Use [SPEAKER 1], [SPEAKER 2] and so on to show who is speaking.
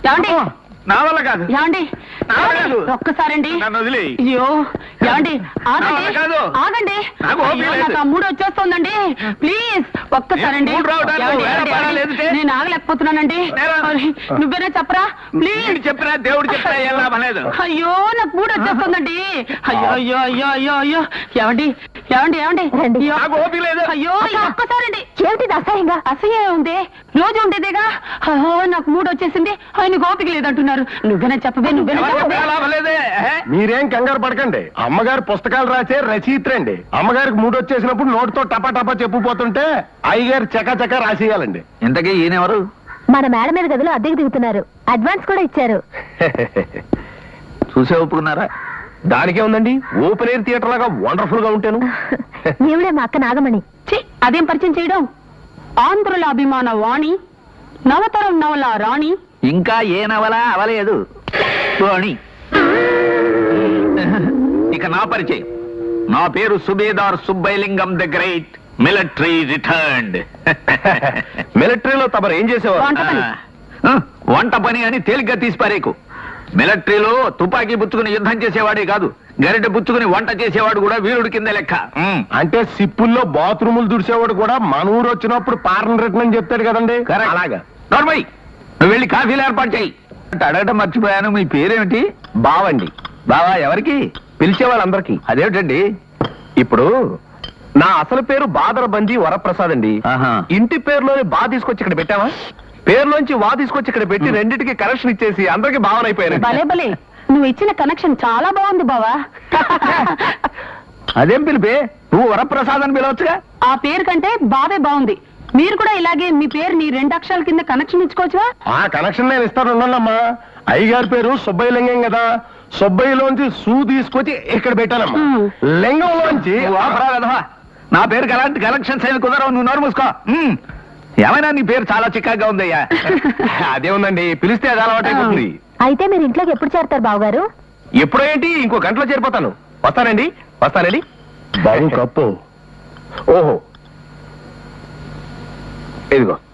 [SPEAKER 1] ఏమండి
[SPEAKER 2] నా వల్ల కాదు.
[SPEAKER 1] ఏమండి
[SPEAKER 2] నా వల్ల కాదు.
[SPEAKER 1] ఒక్కసారండి.
[SPEAKER 2] నన్ను వదిలి.
[SPEAKER 1] అయ్యో ఏమండి
[SPEAKER 2] నా వల్ల
[SPEAKER 1] ఆగండి
[SPEAKER 2] కాదు.
[SPEAKER 1] ఆగండి.
[SPEAKER 2] నాకు ఓపిక
[SPEAKER 1] అయ్యో,
[SPEAKER 2] లేదు.
[SPEAKER 1] నాకు ఆ మూడు వచ్చేస్తోందండి. ప్లీజ్ ఒక్కసారండి.
[SPEAKER 2] మూడు రావడానికి
[SPEAKER 1] ఏమండి,
[SPEAKER 2] వేరే
[SPEAKER 1] ఏమండి,
[SPEAKER 2] పడాలి
[SPEAKER 1] ఏమండి?
[SPEAKER 2] లేదంటే?
[SPEAKER 1] నేను ఆగలేకపోతున్నానండి.
[SPEAKER 2] నేరా?
[SPEAKER 1] మరి నువ్వేనా చెప్పరా ప్లీజ్.
[SPEAKER 2] వీడు చెప్పినా దేవుడు చెప్పినా ఏం లాభం లేదు.
[SPEAKER 1] అయ్యో నాకు మూడు వచ్చేస్తుందండి. అయ్యో అయ్యో అయ్యో అయ్యో అయ్యో ఏమండి ఏమండి ఏమండి అయ్యో.
[SPEAKER 2] నాకు ఓపిక లేదు.
[SPEAKER 1] అయ్యో ఈ ఒక్కసారండి. ఏమిటి అసహ్యంగా? అసహ్యం ఉంది రోజు ఉండేదేగా. అయ్యో నాకు మూడు వచ్చేసింది. ఆయన ఓపిక లేదంటున్నారు. నువ్వేనా చెప్పవే నువ్వేనా
[SPEAKER 2] ఎవరు
[SPEAKER 1] చెప్పవే.
[SPEAKER 2] చెప్పినా లాభం లేదే.
[SPEAKER 3] మీరేం కంగారు పడకండి. అమ్మగారు పుస్తకాలు రాసే రచయిత్రండి. అమ్మగారికి మూడు వచ్చేసినప్పుడు నోటితో టపా టపా చెప్పుపోతుంటే అయ్యగారు చకా రాసేయాలండి.
[SPEAKER 2] ఇంతకీ ఈయనెవరు?
[SPEAKER 4] మన మేడ మీద గదిలో అద్దెకి దిగుతున్నారు. అడ్వాన్స్ కూడా ఇచ్చారు.
[SPEAKER 2] చూసే ఒప్పుకున్నారా?
[SPEAKER 3] దానికే ఉందండి, ఓపెన్ ఎయిర్ థియేటర్ లాగా వండర్ఫుల్ గా ఉంటాను.
[SPEAKER 4] నీవుడే మా అక్క నాగమణి.
[SPEAKER 1] ఛీ, అదేం పరిచయం చేయడం. ఆంధ్రుల అభిమాన వాణి, నవతరం నవల రాణి.
[SPEAKER 2] ఇంకా ఏ నవల అవలేదు పోనీ. ఇక నా పరిచయం. నా పేరు Subedar Subbailingam the great, military returned.
[SPEAKER 3] మిలిటరీలో తమరు ఏం చేసేవారు?
[SPEAKER 1] వంట పని.
[SPEAKER 2] వంట పని అని తేలిగ్గా తీసిపారేకు. మిలిటరీలో తుపాకీ పుచ్చుకుని యుద్ధం చేసేవాడే కాదు, గరిటె పుచ్చుకుని వంట చేసేవాడు కూడా వీరుడి కింద లెక్క.
[SPEAKER 3] అంటే సిప్పుల్లో బాత్రూములు దుడిసేవాడు కూడా మన ఊరు వచ్చినప్పుడు పారణ రిటర్న్ అని చెప్తాడు కదండి.
[SPEAKER 2] Correct.
[SPEAKER 3] అలాగా.
[SPEAKER 2] నోర్మై, నువ్వు వెళ్ళి కాఫీలు ఏర్పాటు చేయి. అడగటం మర్చిపోయాను, మీ పేరేమిటి?
[SPEAKER 3] బావండి.
[SPEAKER 2] బావా ఎవరికి?
[SPEAKER 3] పిలిచే వాళ్ళందరికీ.
[SPEAKER 2] అదేమిటండి?
[SPEAKER 3] ఇప్పుడు నా అసలు పేరు బాదరబంది వరప్రసాద్ అండి.
[SPEAKER 2] ఆహా.
[SPEAKER 3] ఇంటి పేరులోని బా తీసుకొచ్చి ఇక్కడ పెట్టావా, పేరులోంచి వా తీసుకొచ్చి ఇక్కడ పెట్టి రెండింటికి కనెక్షన్ ఇచ్చేసి అందరికి భావన అయిపోయారు.
[SPEAKER 1] భలే భలే నువ్వు ఇచ్చిన కనెక్షన్ చాలా బాగుంది బావా.
[SPEAKER 2] అదేం పిలిపే, నువ్వు వరప్రసాద్ అని పిలవచ్చుగా.
[SPEAKER 1] ఆ పేరు కంటే బావే బాగుంది. మీరు కూడా ఇలాగే మీ పేరుని 2 అక్షరాల కింద కనెక్షన్ ఇచ్చుకోవచ్చువా?
[SPEAKER 3] ఆ కనెక్షన్ నేను ఇస్తాను, ఉండాలమ్మా. అయ్యగారి పేరు సుబ్బయ్య లింగం కదా, సుబ్బయ్యలోంచి సూ తీసుకొచ్చి ఇక్కడ పెట్టానమ్మా. లింగంలోంచి
[SPEAKER 2] నువ్వు ఆపరా వెధవా. నా పేరుకి అలాంటి కలెక్షన్స్ ఏమి కుదరవు, నువ్వు నోరు మూసుకో. ఏమైనా నీ పేరు చాలా చిక్కగా ఉందయ్యా.
[SPEAKER 3] అదే ఉందండి, పిలిస్తే అది అలవాటైపోతుంది.
[SPEAKER 4] అయితే మీరు ఇంట్లోకి ఎప్పుడు చేరతారు బావగారు?
[SPEAKER 3] ఎప్పుడో ఏంటి, ఇంకో గంటలో చేరిపోతాను. వస్తానండి వస్తానండి. బాబు కప్పు. ఓహో ఇదిగో.